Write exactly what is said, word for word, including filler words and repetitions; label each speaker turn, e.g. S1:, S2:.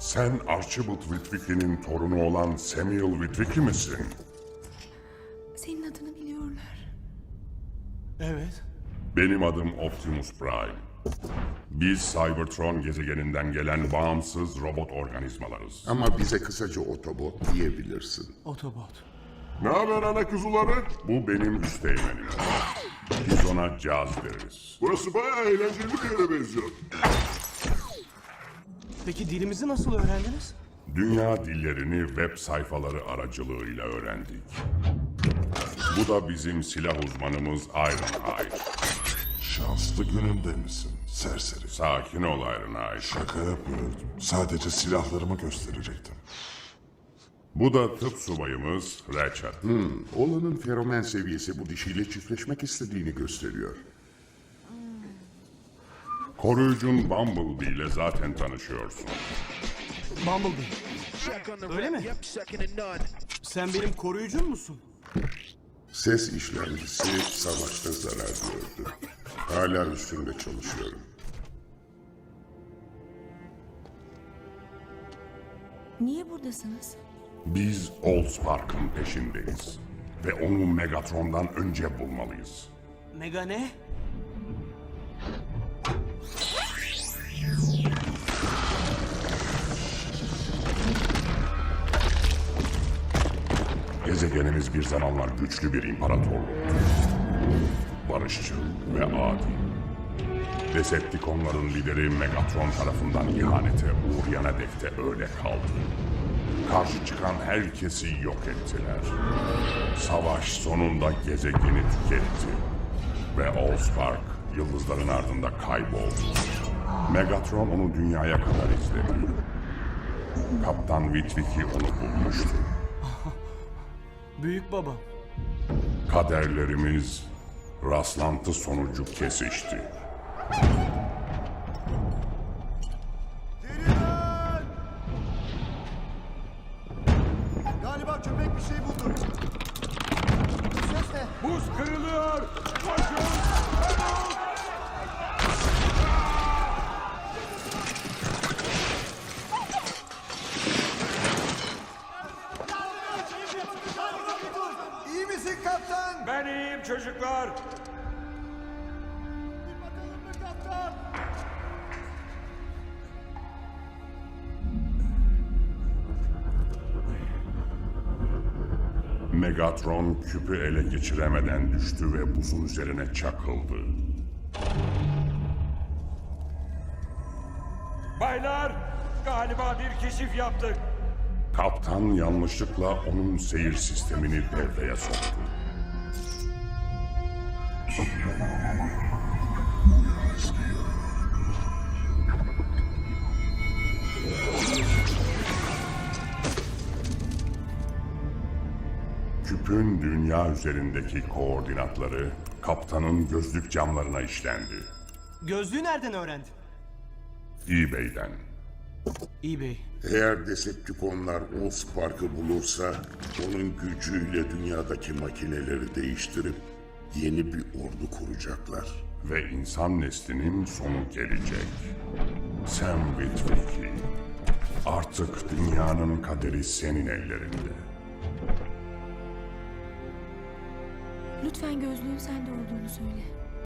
S1: Sen Archibald Witwicky'nin torunu olan Samuel Witwicky misin?
S2: Senin adını biliyorlar.
S3: Evet.
S1: Benim adım Optimus Prime. Biz Cybertron gezegeninden gelen bağımsız robot organizmalarız.
S4: Ama bize kısaca Autobot diyebilirsin.
S3: Otobot.
S1: Ne haber ana kuzuları? Bu benim üsteğmenim. Biz ona caz deriz.
S5: Burası bayağı eğlenceli bir yere benziyor.
S3: Peki dilimizi nasıl öğrendiniz?
S1: Dünya dillerini web sayfaları aracılığıyla öğrendik. Bu da bizim silah uzmanımız Ironhide.
S5: Şanslı gününde misin serseri?
S1: Sakin ol Ironhide.
S5: Şaka yapmıyordum. Sadece silahlarımı gösterecektim.
S1: Bu da tıp subayımız Ratchet.
S4: Oğlanın feromen seviyesi bu dişiyle çiftleşmek istediğini gösteriyor.
S1: Koruyucun Bumblebee ile zaten tanışıyorsun.
S3: Bumblebee. Öyle mi? Sen benim koruyucum musun?
S4: Ses işlemcisi savaşta zarar gördü. Hala üstünde çalışıyorum.
S2: Niye buradasınız?
S1: Biz Allspark'ın peşindeyiz. Ve onu Megatron'dan önce bulmalıyız.
S3: Mega ne?
S1: Gezegenimiz bir zamanlar güçlü bir imparatorluktu. Barışçıl ve adil. Decepticonların lideri Megatron tarafından ihanete uğrayan dek de öyle kaldı. Karşı çıkan herkesi yok ettiler. Savaş sonunda gezegeni tüketti. Ve Allspark yıldızların ardında kayboldu. Megatron onu dünyaya kadar izledi. Kaptan Witwicky onu bulmuştu.
S3: Büyük baba.
S1: Kaderlerimiz rastlantı sonucu kesişti.
S6: Galiba köpek bir şey buldu. Ses ne?
S5: Buz kırılıyor! Koşun!
S6: İyi misin kaptan?
S7: Ben iyiyim çocuklar.
S6: Bir bakalım mı kaptan?
S1: Megatron küpü ele geçiremeden düştü ve buzun üzerine çakıldı.
S7: Baylar, galiba bir keşif yaptık.
S1: Kaptan yanlışlıkla onun seyir sistemini devreye soktu. Küpün dünya üzerindeki koordinatları kaptanın gözlük camlarına işlendi.
S3: Gözlüğü nereden öğrendin?
S1: eBay'den.
S3: eBay.
S4: Eğer Decepticonlar Allspark'ı bulursa onun gücüyle dünyadaki makineleri değiştirip yeni bir ordu kuracaklar.
S1: Ve insan neslinin sonu gelecek. Sam Witwicky. Artık dünyanın kaderi senin ellerinde.
S2: Lütfen gözlüğün sende olduğunu söyle.